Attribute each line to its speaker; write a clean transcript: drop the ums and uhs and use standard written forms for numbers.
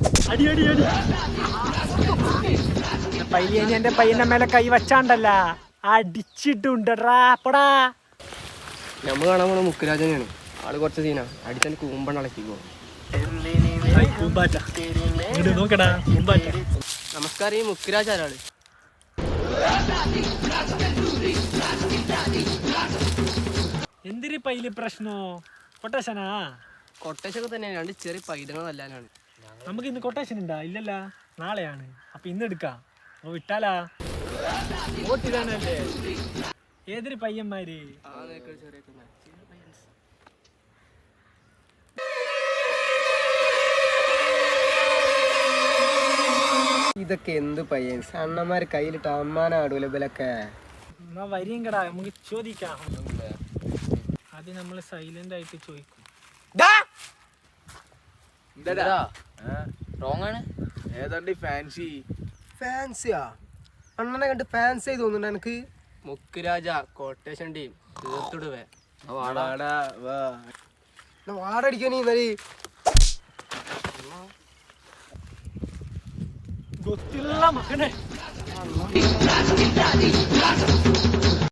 Speaker 1: അടി അടി അടി പയ്യന് എന്റെ പയ്യന്റെ മേലെ കൈ വച്ചാണ്ടല്ല അടിച്ചിട്ടുണ്ടടാ പടാ.
Speaker 2: നമ്മൾ കാണാൻ പോണ മുക്കുരാജനെയാണ്. ആള് കുറച്ച് സീനാ. അടിച്ചാൽ കൂമ്പണ്ണ ഇളക്കിക്കോ.
Speaker 1: നോക്കടാ
Speaker 2: നമസ്കാരം. ഈ മുക്കുരാജ് ആരാള്?
Speaker 1: എന്തിരി പൈല് പ്രശ്നോ? കൊട്ടേഷനാ?
Speaker 2: കൊട്ടേഷനൊക്കെ തന്നെയാണ്. രണ്ട് ചെറിയ പൈതങ്ങൾ നല്ലാനാണ്.
Speaker 1: നമുക്ക് ഇന്ന് കൊട്ടേഷൻ ഉണ്ടാ? ഇല്ലല്ല, നാളെയാണ്. അപ്പൊ ഇന്ന് എടുക്കാം. അപ്പൊ വിട്ടാലാ? ഏതൊരു പയ്യന്മാര്?
Speaker 2: ഇതൊക്കെ എന്ത് പയ്യൻ? അണ്ണന്മാര് കയ്യിലിട്ട് അമ്മാനാടൂല ഇവലൊക്കെ.
Speaker 1: എന്നാ വരിയും കടാ, നമുക്ക് ചോദിക്കാം. അത് നമ്മൾ സൈലന്റ് ആയിട്ട് ചോദിക്കും.
Speaker 2: ഫാൻസിയാ? അണ്ണനെ കണ്ട് ഫാൻസി ആയി തോന്നുന്നുണ്ട് എനിക്ക്. മുക്കുരാജ കൊട്ടേഷൻ ടീം തീർത്തിടുവേ. വാടടിക്കാനീ
Speaker 1: ಗೊತ್ತಿಲ್ಲ ಮಗನೇ.